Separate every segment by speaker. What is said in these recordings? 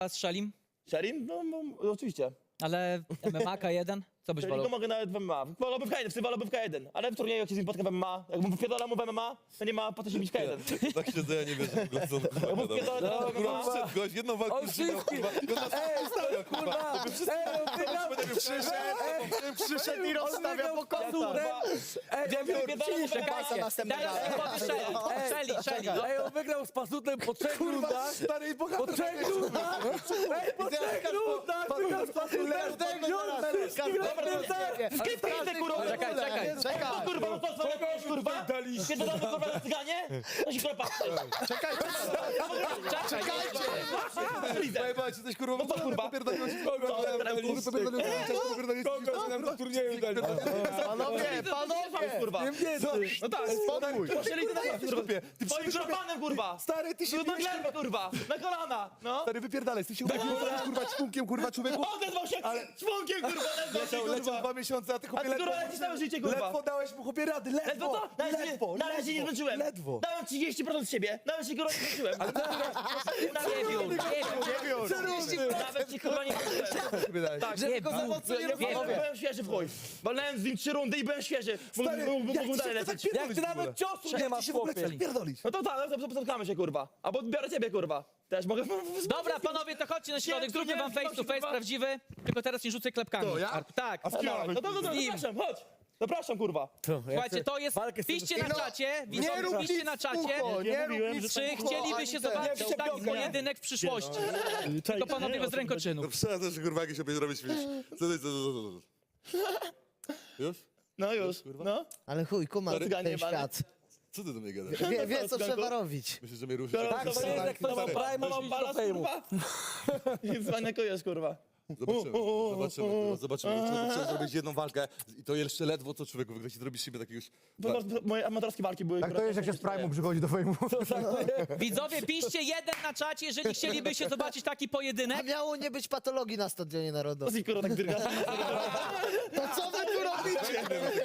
Speaker 1: Strzelił,
Speaker 2: Sherin? No oczywiście.
Speaker 1: ale MMA K1, co byś
Speaker 2: Sherin go
Speaker 1: wolał?
Speaker 2: mogę nawet w MMA. Wolałbym w K1, w tym wolałbym w K1. Ale w turnieju jak się z nim spotkam w MMA, jakbym wpierdolał mu w MMA, to nie ma po co się bić K1.
Speaker 3: Tak siedzę, ja nie wierzę w ogóle, co on kurwa
Speaker 2: Jakbym wpierdolał teraz w MMA.
Speaker 3: Przyszedł gość, jedną walkę
Speaker 4: On
Speaker 3: już wygrał,
Speaker 4: wszystkich-
Speaker 3: kurwa. I on nas stawia, kurwa.
Speaker 5: Przyszedł i rozstawia po kątach.
Speaker 4: Ej, on wygrał z Pasutem po 3 rundach.
Speaker 3: Stary,
Speaker 4: Po
Speaker 3: bohater.
Speaker 4: 3 rundach! Ej, po 3 rundach! Wygrał z Pasutem!
Speaker 2: Skipnijcie, kurwa!
Speaker 1: Czekaj.
Speaker 2: Kurwa, no to co robisz, kurwa? Kiedy damy, kurwa, na cyganie? To się kurwa patrzy.
Speaker 3: Zajebałeś, jesteś kurwa,
Speaker 2: No to kurwa.
Speaker 3: popierdoliło się.
Speaker 2: Panowie! Kurwa. No tak,
Speaker 5: Spokój.
Speaker 2: poszli ty na kurwa. Twoim szarpanem, kurwa.
Speaker 3: Stary, ty się
Speaker 2: Na glebę, kurwa. Na kolana. No.
Speaker 3: Stary, wypierdalaj, ty się ubiegłeś, kurwa, ćpunkiem, kurwa, człowieku.
Speaker 2: Odezwał się członkiem, kurwa.
Speaker 3: Leciał 2 miesiące, a ty
Speaker 2: A
Speaker 3: chłopie
Speaker 2: ty, kurwa, lecisz całe życie, kurwa.
Speaker 3: ledwo dałeś mu chłopie rady,
Speaker 2: Ledwo
Speaker 3: ledwo,
Speaker 2: to? Nawet się nie zmęczyłem.
Speaker 3: ledwo.
Speaker 2: Dałem 30% z siebie. Nawet się kurwa nie zmęczyłem. Nawet się kurwa nie zmęczyłem. Tak, byłem świeży w chuj. Walnąłem z nim 3 rundy i byłem świeży. Mógłbym dalej lecieć.
Speaker 4: Jak ty nawet ciosu nie masz, chłopie!
Speaker 3: Pierdolisz.
Speaker 2: No to tak, no to spotkamy się, kurwa. Albo biorę ciebie, kurwa. Też mogę...
Speaker 1: Dobra, panowie, to chodźcie na środek, zróbmy wam face to face prawdziwy, tylko teraz nie rzucę klepkami.
Speaker 3: To ja?
Speaker 1: Tak.
Speaker 2: No to zapraszam, chodź. Zapraszam, kurwa.
Speaker 1: Słuchajcie, to jest...
Speaker 4: walkę z tym-
Speaker 1: Piszcie na czacie,
Speaker 5: Nie
Speaker 1: widzowie,
Speaker 5: rób
Speaker 1: piszcie
Speaker 5: nic
Speaker 1: na
Speaker 5: w
Speaker 1: czacie,
Speaker 5: ucho, nie rób nic w
Speaker 1: czy
Speaker 5: ucho,
Speaker 1: chcielibyście
Speaker 5: ani ten.
Speaker 1: zobaczyć taki pojedynek w przyszłości. Tylko panowie bez rękoczynów.
Speaker 3: Przesadzasz, kurwa, jakieś sobie zrobić, wiesz. Co? Już?
Speaker 2: No już, no.
Speaker 5: Ale chuj, kuma
Speaker 2: Cyganie
Speaker 5: ten
Speaker 2: jebane.
Speaker 5: świat.
Speaker 3: Co ty do mnie gadasz?
Speaker 5: Wie co trzeba robić.
Speaker 3: Myślisz, że mnie ruszy?
Speaker 4: Tak, to jest jak ktoś ma prime,
Speaker 2: Mam
Speaker 4: masz
Speaker 2: balast,
Speaker 4: do fejmu.
Speaker 2: kurwa. Dzwaniakujesz, kurwa.
Speaker 3: Zobaczymy. Trzeba zrobić jedną walkę i to jeszcze ledwo co człowieku wygrać i zrobisz siebie takiego już...
Speaker 2: Moje amatorskie walki były...
Speaker 6: Tak to jest, jak się z Prime'u przychodzi do fejmu.
Speaker 1: Widzowie, piszcie jeden na czacie, jeżeli chcielibyście zobaczyć taki
Speaker 5: A
Speaker 1: pojedynek.
Speaker 5: miało nie być patologii na Stadionie Narodowym.
Speaker 2: I kurwa tak dyrga.
Speaker 5: To co wy tu robicie?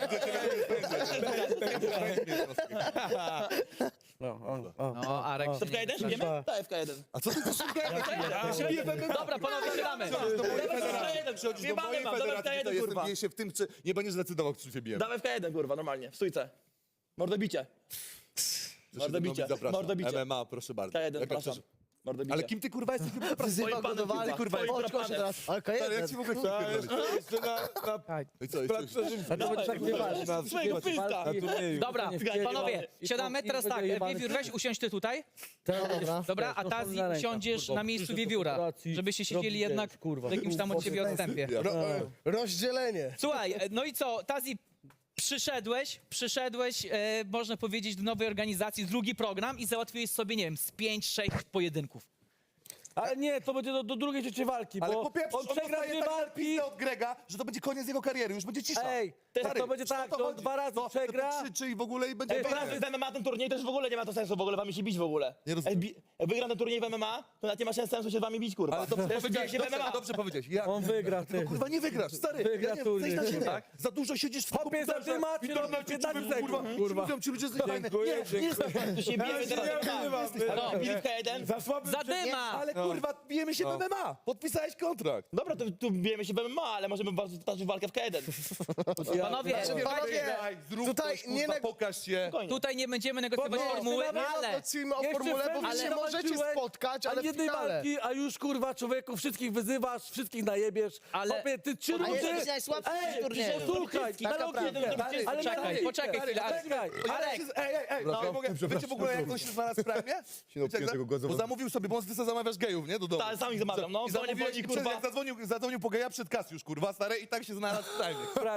Speaker 1: No, Arek
Speaker 2: To w K1 idziemy? Tak, w K1.
Speaker 3: A co ty to
Speaker 1: Dobra, panowie, siadamy.
Speaker 3: przychodzisz do mojej federacji, to jestem bije się w tym, czy nie będziesz decydował, czy się bijemy.
Speaker 2: Dawaj w K1, kurwa, normalnie, w stójce. Mordobicie. Mordobicie,
Speaker 3: Zapraszam.
Speaker 2: mordobicie.
Speaker 3: MMA, proszę bardzo.
Speaker 2: K1,
Speaker 3: Jaka
Speaker 2: zapraszam.
Speaker 3: przecież-
Speaker 2: Mordobicie.
Speaker 3: Ale kim ty kurwa jesteś?
Speaker 5: Wzywa go
Speaker 2: panem,
Speaker 5: do walki,
Speaker 2: kurwa,
Speaker 5: kurwa.
Speaker 2: twoim
Speaker 5: Chodź, chodź
Speaker 2: panem.
Speaker 5: teraz. Ale
Speaker 3: Stary, jak ci w ogóle pierdolisz? I co,
Speaker 4: A to będzie tak nieważne.
Speaker 2: Swojego pyska.
Speaker 1: Dobra, panowie, siadamy teraz tak. Wiewiór, weź usiądź ty tutaj.
Speaker 5: Dobra.
Speaker 1: Dobra, a Tazi siądziesz na miejscu Wiewióra, żebyście siedzieli jednak w jakimś tam od ciebie odstępie.
Speaker 5: Rozdzielenie.
Speaker 1: Słuchaj, no i co, Tazi, przyszedłeś, można powiedzieć, do nowej organizacji, drugi program i załatwiłeś sobie, nie wiem, z 5-6 pojedynków.
Speaker 4: Ale nie, to będzie do drugiej trzeciej walki,
Speaker 3: Ale
Speaker 4: bo
Speaker 3: po pierwsze,
Speaker 4: on przegra
Speaker 3: dostaje
Speaker 4: 2
Speaker 3: tak
Speaker 4: walki.
Speaker 3: pizdę od Grega, że to będzie koniec jego kariery, już będzie cisza.
Speaker 4: Ej,
Speaker 3: Stary,
Speaker 4: to będzie tak,
Speaker 3: o
Speaker 4: to
Speaker 3: chodzi.
Speaker 4: 2 razy
Speaker 3: To
Speaker 4: przegra.
Speaker 3: krzyczy i w ogóle i będzie...
Speaker 4: Ej,
Speaker 2: Teraz jest w MMA ten turniej, to już w ogóle nie ma to sensu w ogóle wami się bić w ogóle.
Speaker 3: Nie rozumiem.
Speaker 2: Jak wygram ten turniej w MMA, to nawet nie ma sensu się z wami bić, kurwa.
Speaker 3: Ale dobrze powiedziałeś,
Speaker 2: się w MMA.
Speaker 3: dobrze powiedziałeś. Ja,
Speaker 4: On wygra, ty.
Speaker 3: kurwa, nie wygrasz, stary.
Speaker 4: Wygra
Speaker 3: ja nie,
Speaker 4: turniej.
Speaker 3: zejdź na ziemię.
Speaker 4: Tak?
Speaker 3: Za dużo siedzisz w
Speaker 4: Chłopie, za
Speaker 3: komputerze,
Speaker 4: ty macie
Speaker 3: w internecie,
Speaker 4: 15
Speaker 3: człowieku,
Speaker 4: sekund,
Speaker 3: kurwa. Mówią ci ludzie, że jest fajne.
Speaker 4: Dziękuję,
Speaker 3: Nie, nie
Speaker 4: dziękuję.
Speaker 3: jest
Speaker 2: Tu się bijemy teraz. No, bili w K1.
Speaker 4: Za słaby
Speaker 1: Zadyma!
Speaker 3: Ale kurwa, bijemy się w MMA. Podpisałeś kontrakt.
Speaker 2: Dobra, to tu bijemy się w MMA, ale możemy toczyć walkę w K1.
Speaker 1: Panowie,
Speaker 5: Panowie,
Speaker 3: Zrób
Speaker 5: tutaj
Speaker 3: coś,
Speaker 5: nie
Speaker 3: kurwa, pokaż się.
Speaker 2: Spokojnie.
Speaker 1: tutaj nie będziemy negocjować formuły, ale...
Speaker 5: Decydujmy o
Speaker 4: Jeszcze
Speaker 5: formule, bo wy
Speaker 4: ale
Speaker 5: się możecie
Speaker 4: zobaczyłeś,
Speaker 5: spotkać, ale
Speaker 4: ani
Speaker 5: w
Speaker 4: jednej
Speaker 5: finale.
Speaker 4: walki, a już kurwa człowieku wszystkich wyzywasz, wszystkich najebiesz.
Speaker 1: Ale-
Speaker 4: Chłopie, ty 3
Speaker 5: A
Speaker 4: rundy...
Speaker 5: jesteś najsłabszy w turnieju.
Speaker 4: Słuchaj,
Speaker 5: Taka
Speaker 4: na
Speaker 5: prawda.
Speaker 4: logikę. Ale
Speaker 1: Poczekaj,
Speaker 4: na
Speaker 1: poczekaj
Speaker 4: logikę.
Speaker 1: chwilę, ale-
Speaker 4: Czekaj.
Speaker 1: Arek,
Speaker 3: Wiecie w ogóle, jak on się znalazł w Prime? Bo zamówił sobie, bo on sobie zamawiasz gejów, nie? Do domu.
Speaker 2: Tak, sam ich zamawiam, no.
Speaker 3: I
Speaker 2: Dzwonię po
Speaker 3: zamówiłeś,
Speaker 2: nich,
Speaker 3: i przez,
Speaker 2: kurwa.
Speaker 3: jak zadzwonił po geja przed kas już, kurwa, stary, i tak się znalazł w Prime.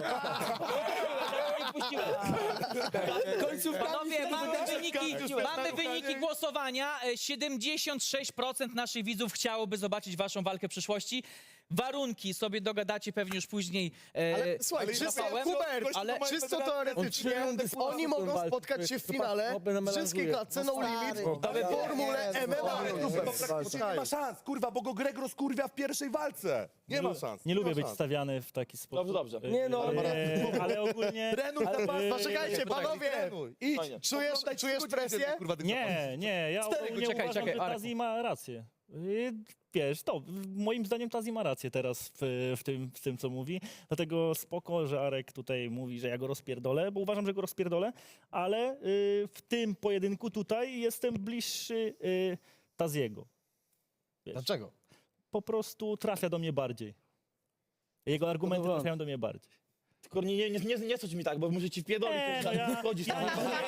Speaker 1: Panowie, mamy wyniki głosowania. 76% naszych widzów chciałoby zobaczyć waszą walkę w przyszłości. Warunki sobie dogadacie pewnie już później.
Speaker 5: Ale słuchaj,
Speaker 3: ale
Speaker 5: czysto,
Speaker 3: Rafałem,
Speaker 5: Hubert,
Speaker 3: ale-
Speaker 5: czysto
Speaker 4: On
Speaker 5: teoretycznie,
Speaker 4: 3 rundy
Speaker 5: oni
Speaker 4: z
Speaker 5: mogą
Speaker 4: walki.
Speaker 5: spotkać się w finale
Speaker 4: Chłopie,
Speaker 5: w wszystkiej klatce, no limit, w formule MMA.
Speaker 3: Nie ma szans, kurwa, bo go Greg rozkurwia w pierwszej walce. Nie ma szans.
Speaker 7: Nie lubię
Speaker 3: ma
Speaker 7: być
Speaker 3: szans.
Speaker 7: stawiany w taki sposób.
Speaker 2: Dobrze.
Speaker 4: Nie no,
Speaker 7: Ale ogólnie...
Speaker 3: Trenuj na pas.
Speaker 5: Poczekajcie, panowie,
Speaker 3: Idź.
Speaker 2: Fajnie.
Speaker 5: czujesz presję?
Speaker 3: Kurwa,
Speaker 7: Nie, ja
Speaker 3: Cztery,
Speaker 7: ogólnie
Speaker 1: czekaj,
Speaker 7: uważam,
Speaker 1: czekaj,
Speaker 7: że
Speaker 1: Arek.
Speaker 7: Tazi ma rację. Wiesz, moim zdaniem Tazi ma rację teraz w tym, co mówi. Dlatego spoko, że Arek tutaj mówi, że ja go rozpierdolę, bo uważam, że go rozpierdolę, ale w tym pojedynku tutaj jestem bliższy Taziego. Wiesz,
Speaker 4: Dlaczego?
Speaker 7: po prostu trafia do mnie bardziej. Jego argumenty trafiają do mnie bardziej.
Speaker 2: Tylko nie sądź mi tak, bo muszę ci wpierdolić.
Speaker 7: Nie, no ja-
Speaker 2: Chodzisz tam.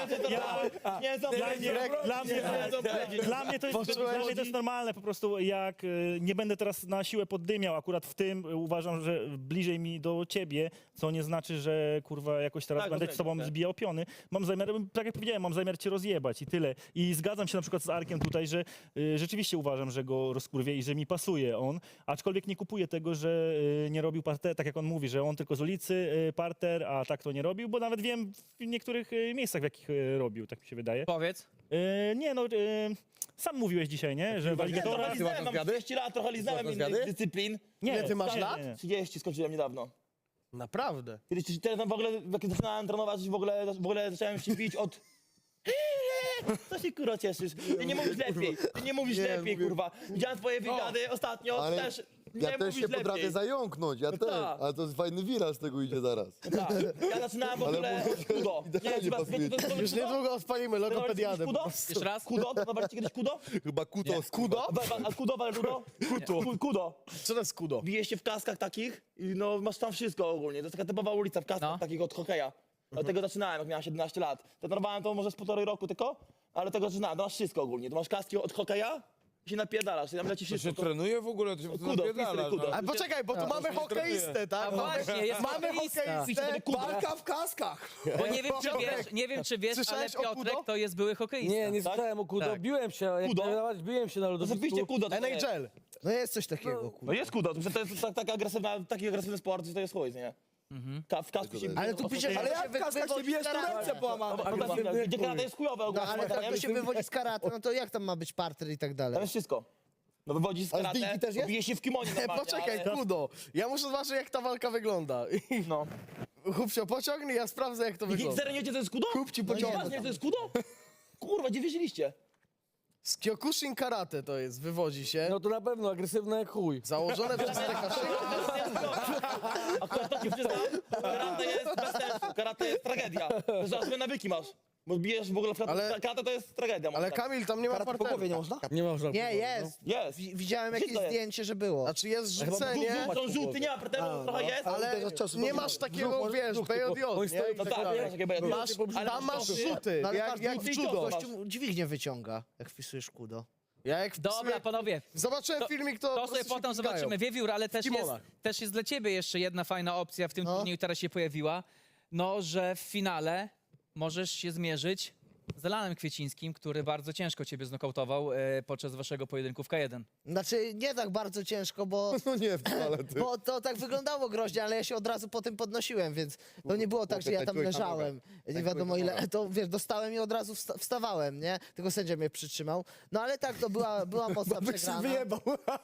Speaker 7: Dla mnie to jest normalne, po prostu jak nie będę teraz na siłę poddymiał, akurat w tym uważam, że bliżej mi do ciebie, co nie znaczy, że kurwa jakoś teraz
Speaker 2: Tak,
Speaker 7: będę
Speaker 2: rozumiem,
Speaker 7: z tobą
Speaker 2: tak.
Speaker 7: zbijał piony. Mam zamiar, tak jak powiedziałem, mam zamiar cię rozjebać i tyle. I zgadzam się na przykład z Arkiem tutaj, że rzeczywiście uważam, że go rozkurwię i że mi pasuje on, aczkolwiek nie kupuję tego, że nie robił parter, tak jak on mówi, że on tylko z ulicy parter, a tak to nie robił, bo nawet wiem w niektórych miejscach, w jakich robił, tak mi się wydaje.
Speaker 1: Powiedz.
Speaker 7: Nie no, sam mówiłeś dzisiaj, nie? Że w aligatora...
Speaker 2: Mam 30 lat, trochę liznałem innych dyscyplin.
Speaker 7: Nie,
Speaker 4: ty masz
Speaker 7: nie,
Speaker 4: lat?
Speaker 7: nie, nie.
Speaker 2: 30 skończyłem niedawno.
Speaker 4: Naprawdę.
Speaker 2: Kiedyś teraz w ogóle, jak zaczynałem trenować, w ogóle zacząłem się bić od... Co się kurwa cieszysz? Ty nie mówisz lepiej, kurwa. Widziałem twoje wywiady ostatnio,
Speaker 5: Ale
Speaker 2: też nie
Speaker 5: ja też
Speaker 2: mówisz
Speaker 5: się potrafię
Speaker 2: lepiej.
Speaker 5: zająknąć, ja też,
Speaker 2: tak.
Speaker 5: ale to jest fajny wiral z tego idzie zaraz.
Speaker 2: Tak. Ja zaczynałem w ogóle
Speaker 5: Ale
Speaker 2: od kudo.
Speaker 5: idealnie pasuje.
Speaker 4: Już niedługo odpalimy logopediadę.
Speaker 2: Kudo?
Speaker 1: Jeszcze raz?
Speaker 2: Kudo? Zobaczcie kiedyś kudo?
Speaker 5: Chyba kutos.
Speaker 2: Kudo? A kudo, Kudo? Kudo.
Speaker 4: Co to jest kudo?
Speaker 2: Bijesz się w kaskach takich i no masz tam wszystko ogólnie. To jest taka typowa ulica w kaskach
Speaker 1: No.
Speaker 2: takich od hokeja. Dlatego zaczynałem, jak miałem 17 lat. Trenowałem to może z 1,5 roku tylko, ale tego zaczynałem. To masz wszystko ogólnie. To masz kaski od hokeja i się napierdalasz. Tam leci
Speaker 8: To się
Speaker 2: wszystko.
Speaker 8: trenuje w ogóle? To się
Speaker 2: Kudo,
Speaker 8: napierdalasz,
Speaker 2: kudo.
Speaker 8: no.
Speaker 4: Ale poczekaj, bo tu mamy hokeistę, tak?
Speaker 1: A właśnie, jest
Speaker 4: Mamy
Speaker 1: hokeista.
Speaker 4: hokeistę,
Speaker 2: Kudo.
Speaker 4: walka w kaskach.
Speaker 1: Bo nie wiem, czy wiesz, ale
Speaker 4: Słyszałeś o
Speaker 1: Piotrek
Speaker 4: Kudo?
Speaker 1: to jest były hokeista.
Speaker 9: Nie, nie
Speaker 2: Tak?
Speaker 9: słyszałem o Kudo.
Speaker 1: Tak.
Speaker 9: Biłem się, jak
Speaker 2: Kudo?
Speaker 9: trenować, biłem się na
Speaker 2: To
Speaker 9: lodowisku.
Speaker 2: oczywiście kudo. To jest.
Speaker 4: NHL.
Speaker 5: No jest coś takiego,
Speaker 2: No jest kudo. To jest taki agresywny sport, że to jest chuj, nie? W kasku się
Speaker 5: Ale tu pisze,
Speaker 4: Ale jak w kaskach się bijesz, to ręce połamane.
Speaker 2: Gdzie karate jest chujowe
Speaker 5: no
Speaker 2: ogólnie.
Speaker 5: ale tak to się wywodzi z karate, no to jak tam ma być parter i tak
Speaker 2: Tam
Speaker 5: dalej?
Speaker 2: jest wszystko. No wywodzi z
Speaker 5: A z
Speaker 2: karate,
Speaker 5: dyjki też jest?
Speaker 2: bije się w kimonie normalnie,
Speaker 4: Poczekaj,
Speaker 2: ale...
Speaker 4: kudo. Ja muszę zobaczyć, jak ta walka wygląda.
Speaker 2: No.
Speaker 4: Chłopcio, pociągnij, ja sprawdzę, jak to wygląda.
Speaker 2: Serio nie wiecie, to jest kudo?
Speaker 4: Kup ci
Speaker 2: No
Speaker 4: pociągnę.
Speaker 2: nie, to jest kudo? Kurwa, gdzie wierzyliście?
Speaker 4: Z Kyokushin karate to jest, wywodzi się.
Speaker 9: No to na pewno, agresywne jak chuj.
Speaker 4: Założone przez TK.
Speaker 2: Akurat to ci przyznam, karate jest bez sensu, karate jest tragedia. Że złe nawyki masz. Bo bijesz w ogóle w
Speaker 4: Ale-
Speaker 2: karate to jest tragedia.
Speaker 4: Ale
Speaker 2: moim zdaniem.
Speaker 4: Kamil, tam nie ma
Speaker 5: Po
Speaker 4: parteru.
Speaker 5: głowie nie można?
Speaker 9: Nie można.
Speaker 5: Nie, jest.
Speaker 2: Jest.
Speaker 5: Widziałem jakieś
Speaker 2: Wszystko jest.
Speaker 5: zdjęcie, że było.
Speaker 4: Znaczy jest rzucenie,
Speaker 2: Są żółty, nie ma parteru, trochę jest.
Speaker 4: ale nie masz takiego, wiesz, BJJ, nie?
Speaker 2: No tak, masz takie BJJ.
Speaker 4: Masz, tam masz rzuty,
Speaker 5: No, ale
Speaker 4: jak w judo.
Speaker 5: gościu dźwignię wyciąga, jak wpisujesz kudo.
Speaker 4: Ja jak
Speaker 1: Dobra, panowie.
Speaker 4: zobaczyłem filmik, to
Speaker 1: To
Speaker 4: po
Speaker 1: sobie
Speaker 4: prostu się
Speaker 1: potem
Speaker 4: pikają.
Speaker 1: zobaczymy. Wiewiór, ale
Speaker 4: kimonach.
Speaker 1: też jest dla ciebie jeszcze jedna fajna opcja w tym
Speaker 5: No.
Speaker 1: turnieju, która się pojawiła. No, że w finale możesz się zmierzyć z Alanem Kwiecińskim, który bardzo ciężko ciebie znokautował podczas waszego pojedynku w K1.
Speaker 5: Znaczy, nie tak bardzo ciężko, bo, No nie wcale, ty. bo to tak wyglądało groźnie, ale ja się od razu po tym podnosiłem, więc to nie było tak, że ja tam leżałem. Nie wiadomo ile, to wiesz, dostałem i od razu wstawałem, nie? Tylko sędzia mnie przytrzymał. No ale tak, to była mocna przegrana.
Speaker 4: wyjebał.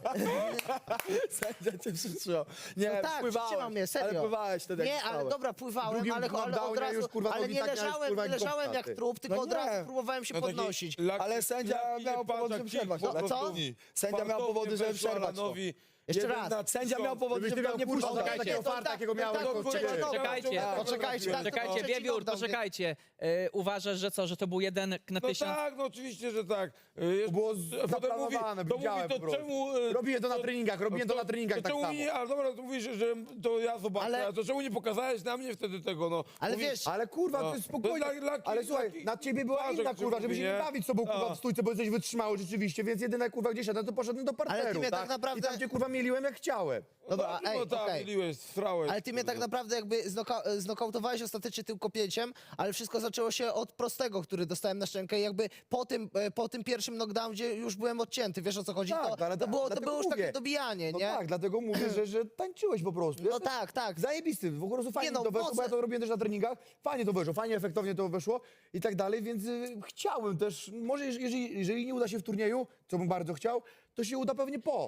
Speaker 9: Sędzia cię przytrzymał. Nie,
Speaker 5: No tak, przytrzymał mnie, serio.
Speaker 9: Ale pływałeś wtedy, jak
Speaker 5: Nie, ale
Speaker 9: wstałeś.
Speaker 5: dobra, pływałem,
Speaker 9: Drugim
Speaker 5: ale
Speaker 9: knockdownie
Speaker 5: od razu,
Speaker 9: już, kurwa,
Speaker 5: ale
Speaker 9: nogi
Speaker 5: nie
Speaker 9: tak miałeś,
Speaker 5: leżałem,
Speaker 9: kurwa,
Speaker 5: nie
Speaker 9: jak
Speaker 5: leżałem
Speaker 9: gąbka,
Speaker 5: jak
Speaker 9: ty.
Speaker 5: trup, tylko
Speaker 9: No
Speaker 5: od
Speaker 9: nie.
Speaker 5: razu próbowałem się podnosić.
Speaker 9: Ale sędzia miał powody, żeby przerwać.
Speaker 5: No, co?
Speaker 9: Sędzia miał powody, żeby przerwać to.
Speaker 5: Jeszcze raz.
Speaker 9: Sędzia miał powody, żeby nie puszczał
Speaker 1: Czekajcie.
Speaker 9: takiego farta, jakiego miałeś.
Speaker 1: Czekajcie.
Speaker 5: Poczekajcie,
Speaker 1: Czekajcie, Wiewiór, poczekajcie. Uważasz, że co, że to był 1 na
Speaker 8: No
Speaker 1: 1000?
Speaker 8: tak, no oczywiście, że tak.
Speaker 9: Było
Speaker 8: to
Speaker 9: zaplanowane,
Speaker 8: mówi,
Speaker 9: widziałem
Speaker 8: to
Speaker 9: po prostu.
Speaker 8: czemu...
Speaker 9: Robiłem to na treningach, robiłem to na treningach tak
Speaker 8: czemu
Speaker 9: samo.
Speaker 8: Nie, ale dobra, to mówisz, że to ja zobaczę,
Speaker 5: Ale-
Speaker 8: ale to czemu nie pokazałeś na mnie wtedy tego, no?
Speaker 5: Ale
Speaker 8: Mówisz,
Speaker 5: wiesz,
Speaker 9: Ale kurwa,
Speaker 8: No.
Speaker 9: to jest spokojnie.
Speaker 8: To dla
Speaker 9: Ale słuchaj, na ciebie była
Speaker 8: Patrz,
Speaker 9: inna
Speaker 8: jak się
Speaker 9: kurwa, żeby
Speaker 8: mówi,
Speaker 9: się nie
Speaker 8: nie?
Speaker 9: bawić z tobą kurwa w stójce, bo jesteś wytrzymały rzeczywiście, więc jedyne kurwa gdzie szedłem, to poszedłem do parteru,
Speaker 5: Ale ty mnie tak naprawdę-
Speaker 9: I tam cię kurwa mieliłem jak chciałem.
Speaker 5: Dobra, ej,
Speaker 8: no tak,
Speaker 5: okej.
Speaker 8: myliłeś, srałeś.
Speaker 5: Ale ty mnie tak naprawdę jakby znokautowałeś ostatecznie tylko pięciem, ale wszystko zaczęło się od prostego, który dostałem na szczękę i jakby po tym pierwszym knockdownie już byłem odcięty, wiesz o co chodzi?
Speaker 9: Tak, ale
Speaker 5: to było
Speaker 9: dlatego
Speaker 5: już takie
Speaker 9: mówię.
Speaker 5: dobijanie,
Speaker 9: No
Speaker 5: nie?
Speaker 9: tak, dlatego mówię, że tańczyłeś po prostu.
Speaker 5: No tak, tak.
Speaker 9: Zajebisty, w ogóle fajnie
Speaker 5: Nie no,
Speaker 9: to weszło, bo
Speaker 5: mocne.
Speaker 9: ja to robiłem też na treningach, fajnie to weszło, fajnie, efektownie to weszło i tak dalej, więc chciałem też, może jeżeli nie uda się w turnieju, co bym bardzo chciał, to się uda pewnie po.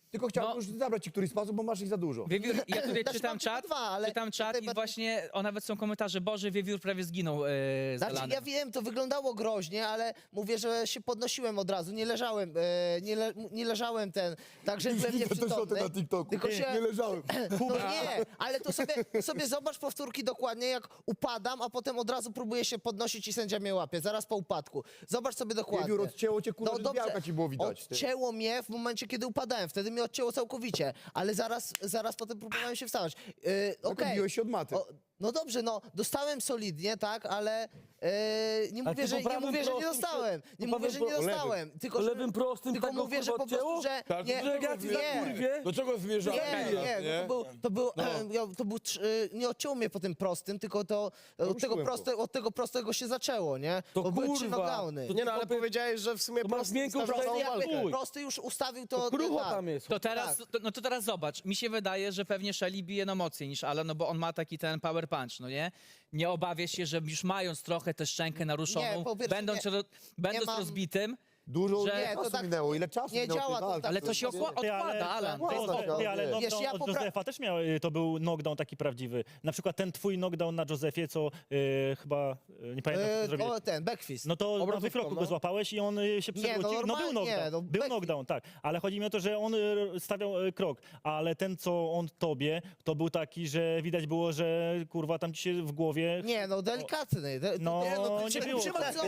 Speaker 9: Tylko chciałbym
Speaker 1: No.
Speaker 9: już zabrać ci któryś sposób, bo masz ich za dużo.
Speaker 1: Wiewiór, ja tutaj
Speaker 5: Też
Speaker 1: czytam
Speaker 5: mam
Speaker 1: czat,
Speaker 5: tylko dwa, ale
Speaker 1: czytam czat
Speaker 5: tutaj
Speaker 1: i
Speaker 5: będę-
Speaker 1: właśnie, o nawet są komentarze, Boże, Wiewiór prawie zginął z
Speaker 5: Znaczy,
Speaker 1: Alanem.
Speaker 5: ja wiem, to wyglądało groźnie, ale mówię, że się podnosiłem od razu, nie leżałem, nie leżałem tak, że byłem
Speaker 9: Widzę też o tym
Speaker 5: nieprzytomny.
Speaker 9: na TikToku.
Speaker 5: Tylko się...
Speaker 9: Nie leżałem.
Speaker 5: No nie, ale to sobie zobacz powtórki dokładnie, jak upadam, a potem od razu próbuję się podnosić i sędzia mnie łapie, zaraz po upadku. Zobacz sobie dokładnie.
Speaker 9: Wiewiór, odcięło cię, kurwa, że
Speaker 5: dobrze,
Speaker 9: białka ci było widać. ty.
Speaker 5: Odcięło mnie w momencie, kiedy upadałem, wtedy mnie odcięło całkowicie, ale zaraz potem próbowałem się wstawać. Okej.
Speaker 9: Odbiłeś się od maty.
Speaker 5: No dobrze, no dostałem solidnie, tak, ale nie mówię, że nie dostałem. Nie mówię, że nie dostałem. Tylko, że,
Speaker 4: lewym prostym
Speaker 5: tylko
Speaker 4: tak go,
Speaker 5: mówię, że
Speaker 4: kurwa,
Speaker 5: po prostu,
Speaker 4: odcięło?
Speaker 5: że
Speaker 8: Tak,
Speaker 5: nie,
Speaker 4: że ja ci za kurwie?
Speaker 8: Do czego zmierzamy?
Speaker 5: nie, to był nie odcięło mnie po tym prostym, tylko to od tego prostego się zaczęło, nie?
Speaker 4: To
Speaker 5: Bo były
Speaker 4: kurwa,
Speaker 5: 3 knockdowny.
Speaker 4: to
Speaker 10: Nie no, ale powiedziałeś, że w sumie
Speaker 4: To masz miękką
Speaker 10: ustawił
Speaker 4: przejdę
Speaker 10: całą
Speaker 4: jak
Speaker 10: walkę.
Speaker 4: chuj.
Speaker 5: Prosty już ustawił to.
Speaker 4: Krucho
Speaker 5: tak.
Speaker 4: tam jest.
Speaker 1: To teraz, no to teraz zobacz, mi się wydaje, że pewnie Shelly bije no mocniej niż Alan, no bo on ma taki ten power punch, no nie? Nie obawiasz się, że już mając trochę tę szczękę naruszoną,
Speaker 5: Nie, po pierwsze,
Speaker 1: będąc
Speaker 5: mam-
Speaker 1: rozbitym,
Speaker 9: Dużo
Speaker 1: że-
Speaker 5: Nie, to
Speaker 9: czasu
Speaker 5: tak
Speaker 9: minęło. Ile czasu
Speaker 5: nie
Speaker 9: minęło tej
Speaker 5: działa to
Speaker 9: walki?
Speaker 5: tak.
Speaker 1: ale to się
Speaker 7: Ty,
Speaker 1: odkłada, Alan.
Speaker 7: Ale
Speaker 5: Wiesz,
Speaker 7: knockdown
Speaker 5: ja
Speaker 7: od Józefa też miał, to był knockdown taki prawdziwy. Na przykład ten twój knockdown na Józefie, co chyba, nie pamiętam, co zrobiłeś.
Speaker 5: Ten, backfist.
Speaker 7: No to na
Speaker 4: Obrotówką,
Speaker 7: wykroku
Speaker 4: no.
Speaker 7: go złapałeś i on się przewrócił. No był
Speaker 5: normalnie,
Speaker 7: knockdown,
Speaker 5: no,
Speaker 7: był
Speaker 5: backflip.
Speaker 7: knockdown, tak. Ale chodzi mi o to, że on stawiał krok, ale ten, co on tobie, to był taki, że widać było, że kurwa tam ci się w głowie...
Speaker 5: Nie, no delikatny.
Speaker 7: No, nie było.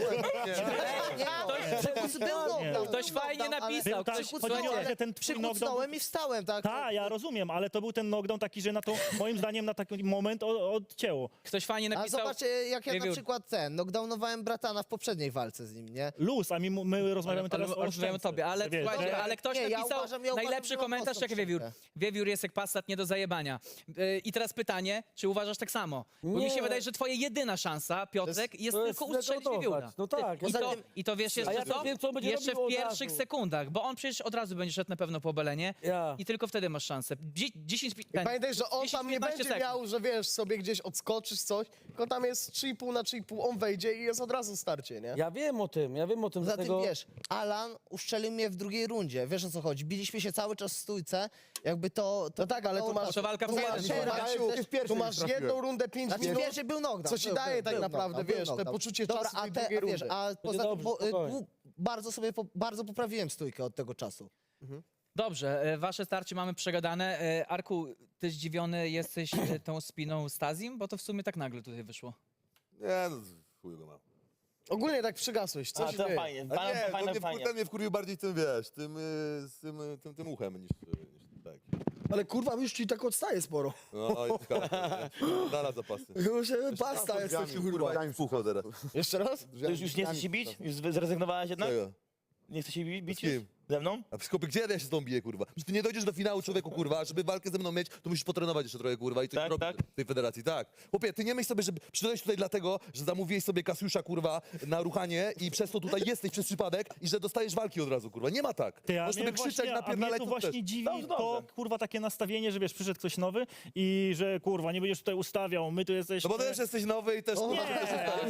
Speaker 1: Ktoś fajnie napisał.
Speaker 7: Tak, chodzi mi o to, że ten twój knockdown...
Speaker 5: Przykucnąłem i wstałem, tak?
Speaker 7: Tak, ja rozumiem, ale to był ten knockdown taki, że na to, moim zdaniem, na taki moment odcięło.
Speaker 1: Ktoś fajnie
Speaker 5: A
Speaker 1: napisał.
Speaker 5: zobacz, jak ja na
Speaker 1: Wiewiór.
Speaker 5: przykład knockdownowałem bratana w poprzedniej walce z nim, nie?
Speaker 7: Luz, a my rozmawiamy teraz o
Speaker 1: Rozmawiamy o
Speaker 7: szczęce.
Speaker 1: tobie, ale
Speaker 7: Wiesz,
Speaker 1: słuchajcie,
Speaker 7: że-
Speaker 1: ale ktoś
Speaker 5: Nie, ja
Speaker 1: napisał
Speaker 5: uważam,
Speaker 1: najlepszy
Speaker 5: że
Speaker 1: komentarz,
Speaker 5: mocno
Speaker 1: jak Wiewiór.
Speaker 5: przejdę.
Speaker 1: Wiewiór jest jak Passat, nie do zajebania. I teraz pytanie, czy uważasz tak samo? Bo mi
Speaker 4: Nie.
Speaker 1: się wydaje, że twoja jedyna szansa, Piotrek, jest
Speaker 4: to
Speaker 1: tylko
Speaker 4: jest
Speaker 1: ustrzelić
Speaker 4: znegatować.
Speaker 1: Wiewióra.
Speaker 4: No tak.
Speaker 1: I to wiesz jeszcze
Speaker 4: ja
Speaker 1: co?
Speaker 4: wiem, co on będzie
Speaker 1: Jeszcze
Speaker 4: robił
Speaker 1: w
Speaker 4: od
Speaker 1: pierwszych
Speaker 4: razu.
Speaker 1: sekundach, bo on przecież od razu będzie szedł na pewno po belenie
Speaker 4: Ja.
Speaker 1: i tylko wtedy masz szansę. 10
Speaker 10: I pamiętaj, że on
Speaker 1: 10-15
Speaker 10: tam nie będzie
Speaker 1: sekund.
Speaker 10: miał, że wiesz, sobie gdzieś odskoczysz coś, tylko tam jest 3,5 na 3,5, on wejdzie i jest od razu starcie, nie?
Speaker 4: Ja wiem o tym,
Speaker 5: Za tym
Speaker 4: dlatego...
Speaker 5: wiesz, Alan uszczelił mnie w drugiej rundzie, wiesz o co chodzi, biliśmy się cały czas w stójce, jakby to...
Speaker 10: No tak, ale tu masz,
Speaker 1: To walka w
Speaker 10: tu
Speaker 1: jeden.
Speaker 10: masz,
Speaker 5: Teraz-
Speaker 10: tu masz jedną rundę 5
Speaker 5: Znaczy
Speaker 10: minut,
Speaker 5: pierwszy był knockdown.
Speaker 10: co ci
Speaker 5: był,
Speaker 10: daje
Speaker 5: był,
Speaker 10: tak
Speaker 5: był
Speaker 10: naprawdę,
Speaker 5: knockdown,
Speaker 10: wiesz,
Speaker 5: był
Speaker 10: te
Speaker 5: knockdown.
Speaker 10: poczucie
Speaker 5: Dobra,
Speaker 10: czasu tej
Speaker 5: a
Speaker 10: drugiej
Speaker 5: wiesz,
Speaker 10: rundy.
Speaker 5: a poza
Speaker 4: dobrze,
Speaker 5: tym
Speaker 4: spokojnie.
Speaker 5: bardzo poprawiłem stójkę od tego czasu.
Speaker 1: Dobrze, wasze starcie mamy przegadane. Arku, ty zdziwiony jesteś tą spiną Stazim? Bo to w sumie tak nagle tutaj wyszło.
Speaker 3: Nie, no chuj go mam.
Speaker 10: Ogólnie tak przygasłeś, co się
Speaker 2: to
Speaker 10: dzieje?
Speaker 2: fajnie,
Speaker 3: A nie,
Speaker 2: fajnie,
Speaker 3: no ten mnie wkurwił bardziej tym, wiesz, tym uchem niż tak.
Speaker 10: Ale kurwa, już ci tak odstaje sporo.
Speaker 3: No i dala zapasy.
Speaker 10: Już pasta jesteś, kurwa.
Speaker 3: Daj mi fucho teraz.
Speaker 10: Jeszcze raz?
Speaker 2: To już nie chcesz się bić? Już zrezygnowałeś jednak?
Speaker 3: Czego?
Speaker 2: Nie chcesz się bić
Speaker 3: Z kim?
Speaker 2: już? Ze mną?
Speaker 3: A skopy, gdzie ja się z tą biję, kurwa? Przecież ty nie dojdziesz do finału, człowieku, kurwa, a żeby walkę ze mną mieć, to musisz potrenować jeszcze trochę, kurwa, i coś
Speaker 2: Tak,
Speaker 3: robić
Speaker 2: tak.
Speaker 3: w tej federacji, tak. Chłopie, ty nie myśl sobie, że przyszedłeś tutaj dlatego, że zamówiłeś sobie Kasiusza, kurwa, na ruchanie i przez to tutaj jesteś przez przypadek i że dostajesz walki od razu, kurwa. Nie ma tak.
Speaker 7: Ty, a
Speaker 3: Możesz
Speaker 7: mnie
Speaker 3: sobie krzyczeć,
Speaker 7: właśnie, a mnie
Speaker 3: napierdalać,
Speaker 7: tu
Speaker 3: co
Speaker 7: właśnie
Speaker 3: chcesz.
Speaker 7: dziwi
Speaker 2: Dobrze,
Speaker 7: to,
Speaker 2: dobrze.
Speaker 7: kurwa, takie nastawienie, że wiesz, przyszedł ktoś nowy i że, kurwa, nie będziesz tutaj ustawiał, my tu jesteśmy...
Speaker 3: No bo też jesteś nowy i też, kurwa,
Speaker 7: nie,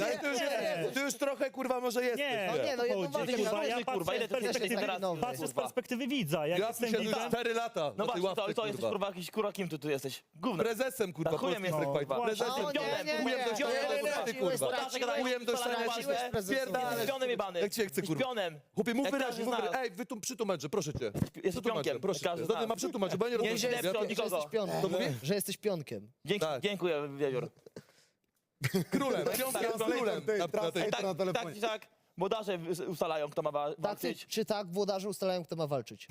Speaker 3: ty już trochę, kurwa, może jesteś.
Speaker 7: Nie,
Speaker 3: tak?
Speaker 5: nie, no jedną
Speaker 7: chodzi,
Speaker 5: walkę
Speaker 7: kurwa,
Speaker 5: miałem.
Speaker 7: ja
Speaker 2: Kurwa, ile
Speaker 7: patrzę
Speaker 2: ty
Speaker 7: z
Speaker 2: jesteś
Speaker 7: perspektywy-
Speaker 2: teraz?
Speaker 5: nowy,
Speaker 7: patrzę z
Speaker 2: kurwa.
Speaker 7: perspektywy widza, jak
Speaker 3: Ja
Speaker 7: jestem
Speaker 3: tu siedzę
Speaker 7: widzem...
Speaker 3: 4 lata
Speaker 2: No
Speaker 3: na tej
Speaker 2: właśnie,
Speaker 3: ławce,
Speaker 2: to jesteś
Speaker 3: kurwa.
Speaker 2: kurwa jakiś kura, kim ty tu jesteś? Gówno.
Speaker 3: Prezesem, kurwa,
Speaker 2: Na chujem
Speaker 3: polskich
Speaker 2: jest,
Speaker 3: Freak Fight.
Speaker 2: kurwa.
Speaker 3: Prezesem,
Speaker 5: No, nie,
Speaker 3: chujem do ściania, ty, kurwa. Chujem do ściania, spierdalaj.
Speaker 2: Śpionem jebany.
Speaker 3: Jak cię chce, kurwa.
Speaker 2: Śpionem.
Speaker 3: Chłopie, mów
Speaker 2: Jak
Speaker 3: wyraźnie,
Speaker 2: każdy
Speaker 3: mów
Speaker 2: z nas.
Speaker 3: wyraźnie. Ej, przytłumacz, proszę cię.
Speaker 2: Jest pionkiem.
Speaker 3: Proszę
Speaker 2: Każdy
Speaker 3: cię.
Speaker 2: z nas.
Speaker 3: Ma przetłumaczyć, bo ja nie
Speaker 2: Nie
Speaker 3: rozumiem.
Speaker 2: źle od
Speaker 5: Że
Speaker 2: nikogo.
Speaker 5: jesteś pionkiem.
Speaker 3: To mówię?
Speaker 5: Że jesteś pionkiem.
Speaker 2: Dziękuję, Wiewiór.
Speaker 3: Królem, piątkiem, królem.
Speaker 2: Tak czy tak, włodarze ustalają, kto ma
Speaker 5: Tak,
Speaker 2: walczyć.
Speaker 5: czy tak włodarze ustalają, kto ma walczyć?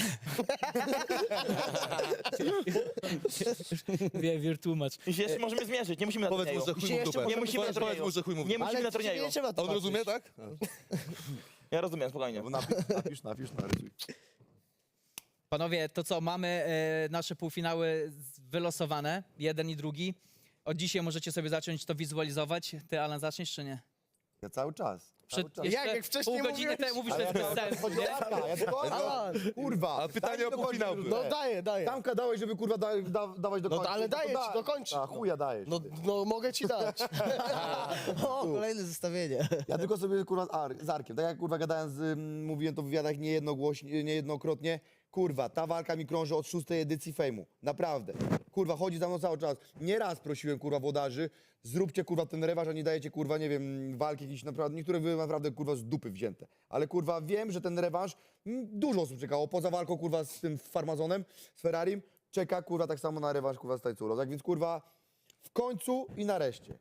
Speaker 1: Wiewiór, tłumacz.
Speaker 2: I się jeszcze możemy zmierzyć, nie musimy na
Speaker 3: Powiedz mu,
Speaker 2: turnieju.
Speaker 3: że chuj mu w
Speaker 5: jeszcze
Speaker 3: dupę.
Speaker 2: Nie musimy na
Speaker 3: Powiedz
Speaker 2: turnieju.
Speaker 3: mu, że chuj mu w
Speaker 2: Nie
Speaker 3: dupę.
Speaker 2: musimy na
Speaker 5: Ale
Speaker 2: turnieju.
Speaker 5: nie trzeba
Speaker 3: A on
Speaker 5: tłumaczyć.
Speaker 3: rozumie, tak?
Speaker 2: Ja rozumiem, spokojnie.
Speaker 9: Napisz, narysuj.
Speaker 1: Panowie, to co, mamy nasze półfinały wylosowane, jeden i drugi. Od dzisiaj możecie sobie zacząć to wizualizować. Ty, Alan, zaczniesz czy nie?
Speaker 9: Ja cały czas.
Speaker 10: Jak wcześniej
Speaker 1: pół godziny
Speaker 10: mówiłeś?
Speaker 1: temu mówisz, że to jest bez sensu, nie?
Speaker 9: Ja tylko, kurwa.
Speaker 3: A pytanie
Speaker 9: daj
Speaker 3: o
Speaker 9: mi dokończyć
Speaker 3: półfinał
Speaker 9: rundę.
Speaker 3: było.
Speaker 10: No daję.
Speaker 9: Tamka dałeś, żeby kurwa dawać do
Speaker 10: No
Speaker 9: końca.
Speaker 10: ale daję ci dokończyć.
Speaker 9: A chuja dajesz.
Speaker 10: No mogę ci dać.
Speaker 5: O, kolejne zestawienie.
Speaker 9: Ja tylko sobie kurwa z Arkiem, tak jak kurwa gadałem mówiłem to w wywiadach niejednokrotnie, Kurwa, ta walka mi krąży od 6. edycji Fejmu. Naprawdę. Kurwa, chodzi za mną cały czas. Nieraz prosiłem, kurwa, włodarzy, zróbcie, kurwa, ten rewanż, a nie dajecie, kurwa, nie wiem, walki jakieś naprawdę, niektóre były naprawdę, kurwa, z dupy wzięte. Ale, kurwa, wiem, że ten rewanż, dużo osób czekało, poza walką, kurwa, z tym Farmazonem, z Ferrarim, czeka, kurwa, tak samo na rewanż, kurwa, z Tajculą. Tak więc, kurwa, w końcu i nareszcie.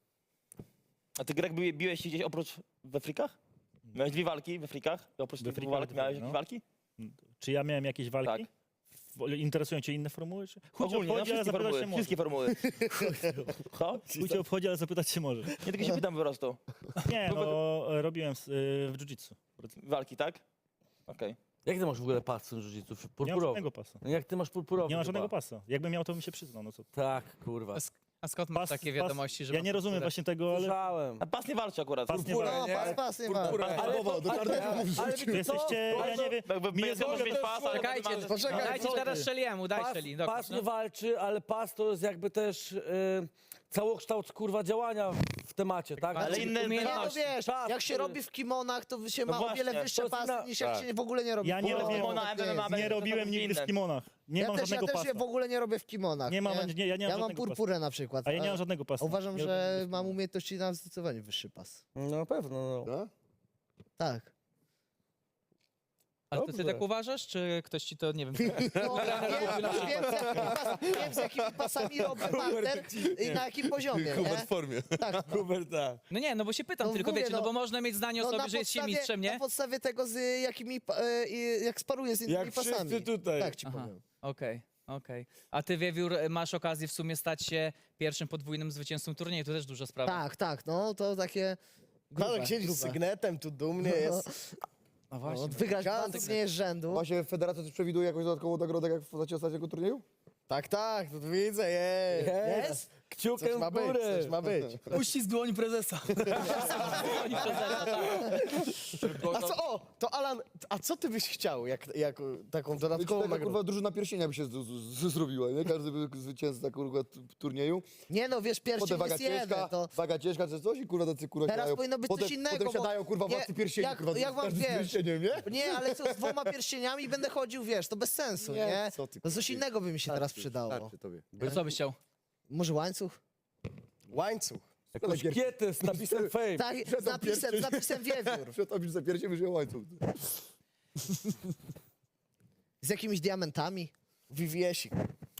Speaker 2: A ty, Greg, biłeś się gdzieś oprócz we frikach? Miałeś 2 walki we frikach? Oprócz tych 2
Speaker 7: frikach,
Speaker 2: walk miałeś
Speaker 7: no.
Speaker 2: jakieś walki?
Speaker 7: Czy ja miałem jakieś walki?
Speaker 2: Tak.
Speaker 7: Interesują cię inne formuły? Czy... Chuj cię
Speaker 2: Ogólnie, no,
Speaker 7: obchodzi, ale
Speaker 2: wszystkie
Speaker 7: zapytać
Speaker 2: formuły.
Speaker 7: się może.
Speaker 2: Wszystkie formuły. Co?
Speaker 7: Chuj cię obchodzi, ale zapytać się może.
Speaker 2: Nie, tylko się pytam po prostu.
Speaker 7: Nie, no robiłem w jiu-jitsu.
Speaker 2: Walki, tak? Okej.
Speaker 4: Jak ty masz w ogóle pas w jiu-jitsu?
Speaker 7: Nie mam
Speaker 4: Purpurowy.
Speaker 7: żadnego pasa.
Speaker 4: Jak ty masz purpurowy?
Speaker 7: Nie mam
Speaker 4: chyba.
Speaker 7: żadnego pasa. Jakbym miał, to bym się przyznał. No co?
Speaker 4: Tak, kurwa.
Speaker 1: A skąd masz takie wiadomości, że...
Speaker 7: Ja nie rozumiem właśnie tego, ale...
Speaker 4: Słyszałem.
Speaker 2: A pas nie walczy akurat.
Speaker 7: Pas nie
Speaker 5: No,
Speaker 7: ma.
Speaker 5: pas, nie ma.
Speaker 4: Ale
Speaker 7: Wy jesteście, ja nie wiem...
Speaker 2: Jakby
Speaker 7: mi nie
Speaker 2: jest może
Speaker 7: zgodzi-
Speaker 2: mieć pas, ale
Speaker 1: Czekajcie,
Speaker 10: Poczekaj,
Speaker 1: dajcie
Speaker 10: poczekaj.
Speaker 1: teraz Szeliemu, daj
Speaker 4: pas,
Speaker 1: Szeli.
Speaker 4: pas nie walczy, ale pas to jest jakby też całokształt, kurwa, działania w temacie, tak?
Speaker 2: Ale
Speaker 1: Znaczy,
Speaker 2: inne
Speaker 5: Nie, no
Speaker 1: umiejętności.
Speaker 5: wiesz,
Speaker 4: Czas,
Speaker 5: jak się
Speaker 4: który-
Speaker 5: robi w kimonach, to się
Speaker 2: No
Speaker 5: ma o wiele
Speaker 2: właśnie,
Speaker 5: wyższe
Speaker 4: to jest
Speaker 5: pasy,
Speaker 4: inna-
Speaker 5: niż jak
Speaker 3: tak.
Speaker 5: się w ogóle nie robi.
Speaker 7: Ja nie
Speaker 5: No,
Speaker 7: robię-
Speaker 5: tak
Speaker 2: MMA,
Speaker 5: jest.
Speaker 7: Nie robiłem nigdy w kimonach. Nie mam
Speaker 5: Ja
Speaker 7: żadnego
Speaker 5: też
Speaker 7: pasa.
Speaker 5: się w ogóle nie robię w kimonach.
Speaker 7: Nie mam, ja nie mam
Speaker 5: Ja mam
Speaker 7: żadnego
Speaker 5: purpurę na przykład.
Speaker 7: A ja nie mam żadnego pasa.
Speaker 5: Uważam,
Speaker 7: Nie
Speaker 5: że
Speaker 7: robię
Speaker 5: mam umiejętności na zdecydowanie wyższy pas.
Speaker 4: No na pewno, no.
Speaker 5: Tak.
Speaker 1: Ale to ty tak uważasz, czy ktoś ci to, nie wiem...
Speaker 5: No, wiem, z jakimi pasami robię parter i na jakim poziomie.
Speaker 3: Hubert
Speaker 5: Nie?
Speaker 3: w formie.
Speaker 5: Tak.
Speaker 4: Hubert, tak.
Speaker 1: No nie, no bo się pytam
Speaker 5: No
Speaker 1: tylko,
Speaker 5: mówię,
Speaker 1: wiecie, no
Speaker 5: no.
Speaker 1: bo można mieć zdanie o
Speaker 5: No,
Speaker 1: sobie, że jest się mistrzem,
Speaker 5: na
Speaker 1: nie?
Speaker 5: podstawie tego, z jakimi, jak sparuję z innymi
Speaker 8: Jak wszyscy
Speaker 5: pasami.
Speaker 8: tutaj.
Speaker 5: Tak ci
Speaker 1: Aha.
Speaker 5: powiem.
Speaker 1: Okej. A ty, Wiewiór, masz okazję w sumie stać się pierwszym podwójnym zwycięzcą turnieju, to też duża sprawa.
Speaker 5: Tak, no to takie grube,
Speaker 10: Marek siedzi z
Speaker 5: grube.
Speaker 10: sygnetem, tu dumnie jest.
Speaker 1: No
Speaker 5: No,
Speaker 1: właśnie.
Speaker 5: wygrać dwa turnieje z rzędu.
Speaker 9: Właśnie federacja też przewiduje jakąś dodatkową nagrodę, jak w postaci ostatniego turnieju?
Speaker 10: Tak, tu widzę, jest.
Speaker 4: Jest? Kciukiem
Speaker 10: Coś ma
Speaker 4: w
Speaker 10: być,
Speaker 4: górę.
Speaker 10: coś ma być.
Speaker 1: Uścisk dłoni prezesa. Oni prezesa, tak.
Speaker 10: A co, to Alan, a co ty byś chciał, jak taką dodatkową
Speaker 9: Taka,
Speaker 10: nagrodę?
Speaker 9: kurwa, drużyna pierścienia by się zrobiła, nie? Każdy by zwycięzca, kurwa, turnieju.
Speaker 5: Nie no, wiesz,
Speaker 9: Potem
Speaker 5: pierścień
Speaker 9: waga
Speaker 5: jest jeden,
Speaker 9: ciężka,
Speaker 5: to
Speaker 9: waga ciężka czy coś i kurwa tacy kurwa
Speaker 5: teraz
Speaker 9: siadają.
Speaker 5: powinno być
Speaker 9: potem,
Speaker 5: coś innego,
Speaker 9: Potem
Speaker 5: bo
Speaker 9: siadają kurwa
Speaker 5: nie-
Speaker 9: władcy pierścieni,
Speaker 5: jak-
Speaker 9: kurwa,
Speaker 5: jak wam
Speaker 9: każdy z
Speaker 5: wiesz?
Speaker 9: pierścieniem, nie?
Speaker 5: Nie, ale co, z 2 pierścieniami będę chodził, wiesz, to bez sensu,
Speaker 9: Nie,
Speaker 5: nie?
Speaker 9: co ty,
Speaker 5: No coś
Speaker 9: kurwa.
Speaker 5: innego by mi się teraz przydało.
Speaker 9: Starczy tobie.
Speaker 1: Co byś chciał?
Speaker 5: Może łańcuch?
Speaker 10: Łańcuch.
Speaker 4: Jakąś kietę z napisem fame.
Speaker 5: Tak, z napisem Wiewiór.
Speaker 9: Przetopisz za pierścień, już łańcuch.
Speaker 5: Z jakimiś diamentami.
Speaker 10: VVS-ik.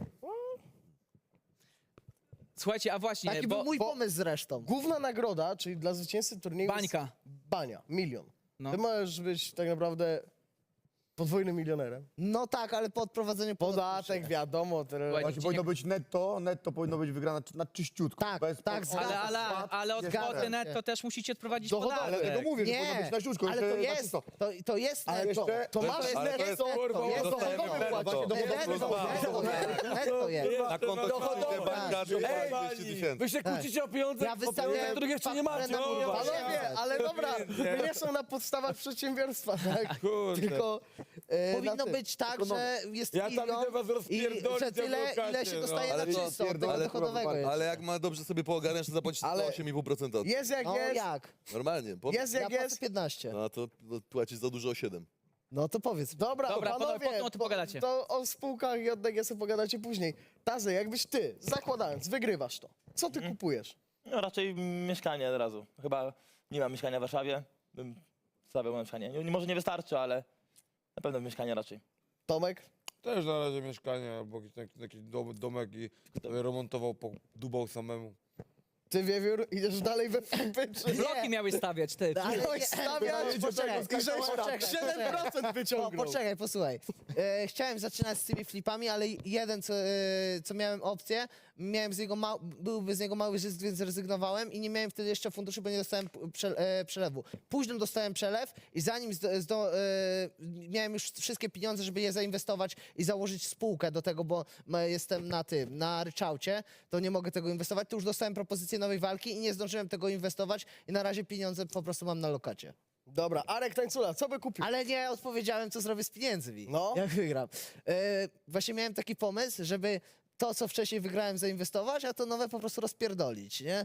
Speaker 1: Słuchajcie, a właśnie,
Speaker 5: Taki
Speaker 1: bo...
Speaker 5: był mój pomysł zresztą.
Speaker 10: Główna nagroda, czyli dla zwycięzcy turnieju
Speaker 1: Bańka.
Speaker 10: jest bania, 1 000 000.
Speaker 1: No.
Speaker 10: Ty możesz być tak naprawdę podwójnym milionerem.
Speaker 5: No tak, ale po odprowadzeniu
Speaker 10: Podatek, wiadomo.
Speaker 1: Słuchaj,
Speaker 9: Właśnie powinno być netto powinno być wygrane na czyściutko.
Speaker 5: Tak,
Speaker 9: Bez
Speaker 5: tak,
Speaker 9: pod-
Speaker 1: Ale od
Speaker 5: Zgadzam
Speaker 1: kwoty
Speaker 5: się.
Speaker 1: netto też musicie odprowadzić
Speaker 10: Dochodowe.
Speaker 9: Ale tego
Speaker 1: podatek.
Speaker 9: mówię, że powinno
Speaker 5: Nie,
Speaker 9: być na ściółczko.
Speaker 5: ale to jest, to jest
Speaker 9: Ale
Speaker 5: netto.
Speaker 9: jeszcze-
Speaker 10: To masz
Speaker 3: Ale to jest-
Speaker 10: netto,
Speaker 5: jest
Speaker 3: dostajemy
Speaker 5: dochodowe.
Speaker 3: netto.
Speaker 9: Właśnie
Speaker 5: Netto jest.
Speaker 3: Na konto
Speaker 4: Dochodowe.
Speaker 3: banka to 200 tysięcy.
Speaker 4: Wy się kłócicie o pieniądze,
Speaker 5: Ja wystawiałem
Speaker 4: których jeszcze nie macie.
Speaker 5: na
Speaker 4: kurwa.
Speaker 10: Panowie, ale dobra, my nie są na podstawach przedsiębiorstwa, tak?
Speaker 8: Kurde.
Speaker 10: Tylko
Speaker 5: Powinno być tak, że jest
Speaker 8: Ja tam
Speaker 5: milion
Speaker 8: idę was
Speaker 5: i
Speaker 8: rozpierdolić
Speaker 5: że tyle,
Speaker 8: adwokacie,
Speaker 5: ile się
Speaker 8: no.
Speaker 5: dostaje
Speaker 3: Ale
Speaker 5: na
Speaker 3: to
Speaker 5: czysto, od tego
Speaker 9: ale
Speaker 5: dochodowego jest.
Speaker 3: Ale jak ma dobrze sobie poogarniać, to zapłacić
Speaker 10: Ale-
Speaker 3: 8,5%.
Speaker 10: jest jak
Speaker 5: No
Speaker 10: jest,
Speaker 5: jak?
Speaker 3: Normalnie.
Speaker 10: jest
Speaker 5: Ja
Speaker 10: jak
Speaker 5: płacę
Speaker 10: jest.
Speaker 5: 15.
Speaker 3: No to płacisz za dużo o 7.
Speaker 5: No to powiedz.
Speaker 10: Dobra,
Speaker 1: Dobra,
Speaker 10: panowie,
Speaker 1: potem o tym pogadacie.
Speaker 10: to o spółkach i o DGS-u pogadacie później. Tazy, jakbyś ty, zakładając, wygrywasz to, co ty kupujesz?
Speaker 2: No raczej mieszkanie od razu. Chyba nie mam mieszkania w Warszawie. Bym stawiał na mieszkanie. Może nie wystarczy, ale na pewno mieszkanie raczej.
Speaker 10: Tomek?
Speaker 8: Też na razie mieszkanie albo jakiś domek i sobie remontował, dubał samemu.
Speaker 10: Ty, Wiewiór, idziesz dalej we flipy, czy
Speaker 1: Bloki miałeś stawiać, ty.
Speaker 5: Ale
Speaker 10: miałeś
Speaker 5: nie-
Speaker 10: stawiać
Speaker 5: poczekaj,
Speaker 10: i żeś
Speaker 5: poczekaj,
Speaker 10: 7% wyciągnął.
Speaker 5: Poczekaj, posłuchaj. Chciałem zaczynać z tymi flipami, ale jeden, co miałem opcję, miałem z niego byłby z niego mały zysk, więc zrezygnowałem i nie miałem wtedy jeszcze funduszy, bo nie dostałem przelewu. Później dostałem przelew i zanim miałem już wszystkie pieniądze, żeby je zainwestować i założyć spółkę do tego, bo jestem na ryczałcie, to nie mogę tego inwestować, to już dostałem propozycję nowej walki i nie zdążyłem tego inwestować i na razie pieniądze po prostu mam na lokacie.
Speaker 10: Dobra, Arek Tańcula, co by kupił?
Speaker 5: Ale nie odpowiedziałem, co zrobię z pieniędzmi.
Speaker 10: No.
Speaker 5: Jak wygram. Właśnie miałem taki pomysł, żeby to, co wcześniej wygrałem, zainwestować, a to nowe po prostu rozpierdolić, nie?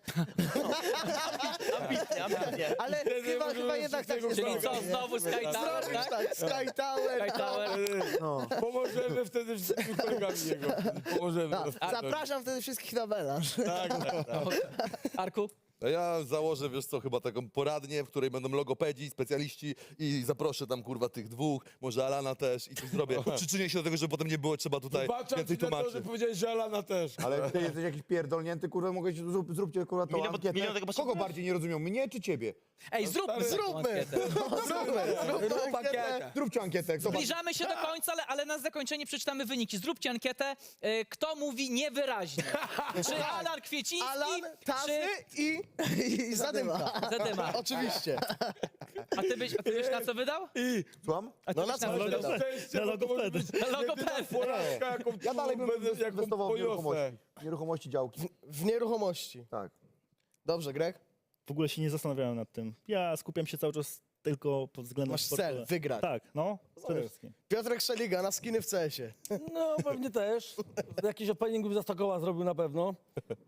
Speaker 2: Ambitnie.
Speaker 5: Ale chyba jednak tak nie
Speaker 1: Czyli
Speaker 5: zrobię,
Speaker 1: co,
Speaker 5: nie?
Speaker 1: znowu Sky Tower,
Speaker 10: Zrobisz
Speaker 1: tak?
Speaker 10: tak, Sky Tower.
Speaker 1: Sky Tower.
Speaker 8: Pomożemy wtedy wszystkimi kolegami jego. Pomożemy.
Speaker 5: Zapraszam wtedy wszystkich na melanż.
Speaker 1: Arku?
Speaker 3: A ja założę, wiesz co, chyba taką poradnię, w której będą logopedzi, specjaliści i zaproszę tam, kurwa, tych dwóch, może Alana też i coś zrobię. Przyczynię się do tego, żeby potem nie było trzeba tutaj
Speaker 8: Zobaczam
Speaker 3: więcej
Speaker 8: ci na to,
Speaker 3: tłumaczyć.
Speaker 8: że powiedziałeś, że Alana też.
Speaker 9: Ale ty jesteś jakiś pierdolnięty, kurwa, mogę zróbcie kurwa tą
Speaker 2: Milion
Speaker 9: ankietę.
Speaker 2: tego
Speaker 9: Kogo
Speaker 2: potrzebujesz?
Speaker 9: bardziej nie rozumią, mnie czy ciebie?
Speaker 1: Ej, zróbmy taką ankietę.
Speaker 10: Zrób ankietę.
Speaker 9: Zróbcie ankietę. Zobacz.
Speaker 1: Zbliżamy się do końca, ale na zakończenie przeczytamy wyniki. Zróbcie ankietę, kto mówi niewyraźnie. Czy Alan Kwieciński,
Speaker 10: Alan, Tazy
Speaker 1: czy
Speaker 10: i Zadymka.
Speaker 1: Zadyma?
Speaker 10: Oczywiście.
Speaker 1: A ty byś na co wydał?
Speaker 9: Słucham?
Speaker 1: A ty
Speaker 10: No
Speaker 1: byś
Speaker 10: na co
Speaker 1: co
Speaker 10: wydał?
Speaker 1: wydał?
Speaker 8: Szczęście,
Speaker 7: Na
Speaker 8: bo to może
Speaker 7: logopedy.
Speaker 8: być
Speaker 1: Na logopedy.
Speaker 8: jedyna porażka, jaką
Speaker 9: Ja dalej bym
Speaker 8: jaką
Speaker 9: inwestował w
Speaker 8: poniosę.
Speaker 9: nieruchomości. Nieruchomości działki.
Speaker 10: W nieruchomości.
Speaker 9: Tak.
Speaker 10: Dobrze, Greg?
Speaker 7: W ogóle się nie zastanawiałem nad tym. Ja skupiam się cały czas tylko pod względem
Speaker 10: Masz
Speaker 7: sportowym.
Speaker 10: cel, wygrać.
Speaker 7: Tak, no. Przede wszystkim.
Speaker 10: Piotrek Szeliga na skiny w CS-ie.
Speaker 4: No pewnie też. Jakiś opening bym za 100 koła zrobił na pewno.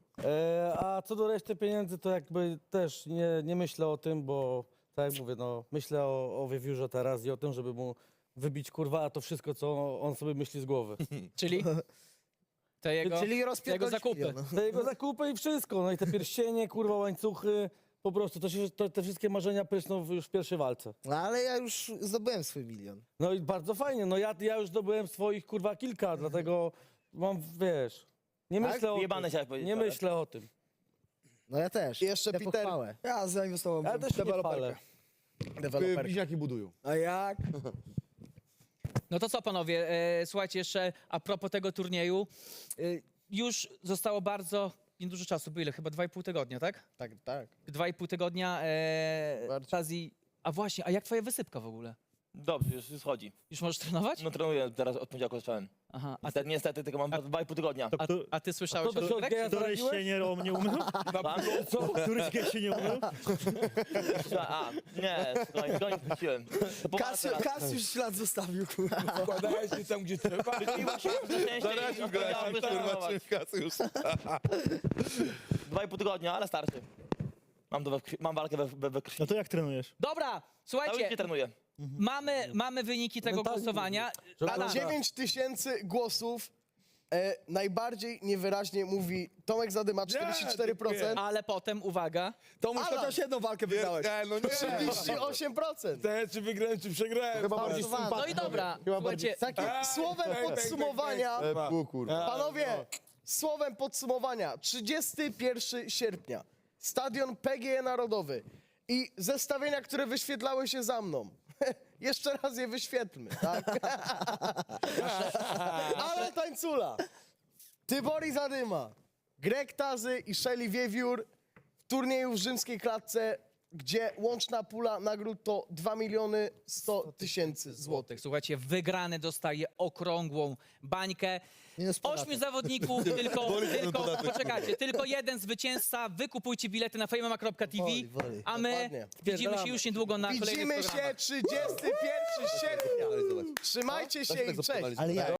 Speaker 4: A co do reszty pieniędzy, to jakby też nie myślę o tym, bo tak jak mówię, no myślę o wiewiórze teraz i o tym, żeby mu wybić kurwa to wszystko, co on sobie myśli z głowy.
Speaker 1: Czyli? To jego,
Speaker 5: Czyli
Speaker 1: jego
Speaker 5: rozpierdolić
Speaker 1: zakupy.
Speaker 5: milion.
Speaker 4: Te jego zakupy i wszystko, no i te pierścienie, kurwa, łańcuchy, po prostu te wszystkie marzenia prysną już w pierwszej walce.
Speaker 5: No ale ja już zdobyłem swój milion.
Speaker 4: No i bardzo fajnie, no ja już zdobyłem swoich kurwa kilka, dlatego mam, wiesz, nie myślę o
Speaker 2: Wyjebane
Speaker 4: tym.
Speaker 2: chciałeś powiedzieć,
Speaker 4: Nie
Speaker 2: ale-
Speaker 4: myślę o tym.
Speaker 5: No ja też.
Speaker 10: I jeszcze
Speaker 5: Idę po
Speaker 10: Peter.
Speaker 5: chwałę.
Speaker 10: Ja zainwestowałem
Speaker 4: Ja też się nie palę.
Speaker 9: Bliźniaki budują.
Speaker 10: A jak?
Speaker 1: No to co, panowie, słuchajcie, jeszcze a propos tego turnieju, już zostało bardzo niedużo czasu, było ile? Chyba 2,5 tygodnia, tak?
Speaker 10: Tak, tak.
Speaker 1: 2,5 tygodnia,
Speaker 10: Bardziej.
Speaker 1: Tazi... A właśnie, a jak twoja wysypka w ogóle?
Speaker 2: Dobrze, już schodzi.
Speaker 1: Już możesz trenować?
Speaker 2: No trenuję teraz od poniedziałku zacząłem.
Speaker 1: Aha,
Speaker 2: Niestety tylko mam 2,5 tygodnia.
Speaker 1: a ty słyszałeś
Speaker 4: to
Speaker 1: o
Speaker 4: się
Speaker 1: tym?
Speaker 4: odbija-
Speaker 7: Któryś się nie umył? Któryś się nie umył?
Speaker 2: Nie, go nie wróciłem. To poważnie teraz.
Speaker 10: Kas już ślad zostawił, kurwa.
Speaker 8: Wkładałeś się tam, gdzie trzeba.
Speaker 2: Zaraził go, kurwa,
Speaker 3: już.
Speaker 2: 2,5 tygodnia, ale starszy. Mam walkę we krwi.
Speaker 7: No to jak trenujesz?
Speaker 1: Dobra,
Speaker 2: Cały
Speaker 1: słuchajcie,
Speaker 2: nie trenuję.
Speaker 1: mamy wyniki tego
Speaker 4: Mentalnie
Speaker 1: głosowania.
Speaker 4: Żeby-
Speaker 1: Alan,
Speaker 10: 9000 głosów. Najbardziej niewyraźnie mówi Tomek Zadyma 44%.
Speaker 1: ale potem, uwaga,
Speaker 10: Tomuś chociaż jedną walkę wydałeś.
Speaker 8: No nie.
Speaker 10: 38%.
Speaker 8: Te, czy wygrałem, czy przegrałem.
Speaker 9: Chyba bardziej
Speaker 5: Bardzo ważne.
Speaker 1: no i dobra, słuchajcie,
Speaker 10: Takie słowem podsumowania.
Speaker 9: kurwa.
Speaker 10: Panowie, słowem podsumowania. 31 sierpnia. Stadion PGE Narodowy. I zestawienia, które wyświetlały się za mną. Jeszcze raz je wyświetlmy, tak? Alan Tańcula, Tybori Zadyma, Greg Tazy i Shelly Wiewiór w turnieju w rzymskiej klatce, gdzie łączna pula nagród to 2 100 000 złotych.
Speaker 1: słuchajcie, wygrany dostaje okrągłą bańkę.
Speaker 5: Minus podatek.
Speaker 1: 8 zawodników, poczekajcie, tylko jeden zwycięzca. Wykupujcie bilety na fejmama.tv,
Speaker 5: Woli, woli.
Speaker 1: a my
Speaker 10: Dokładnie.
Speaker 1: widzimy się już niedługo na kolejnych
Speaker 10: Widzimy
Speaker 1: programach.
Speaker 10: się 31 sierpnia. Trzymajcie się i cześć.
Speaker 5: Ale ja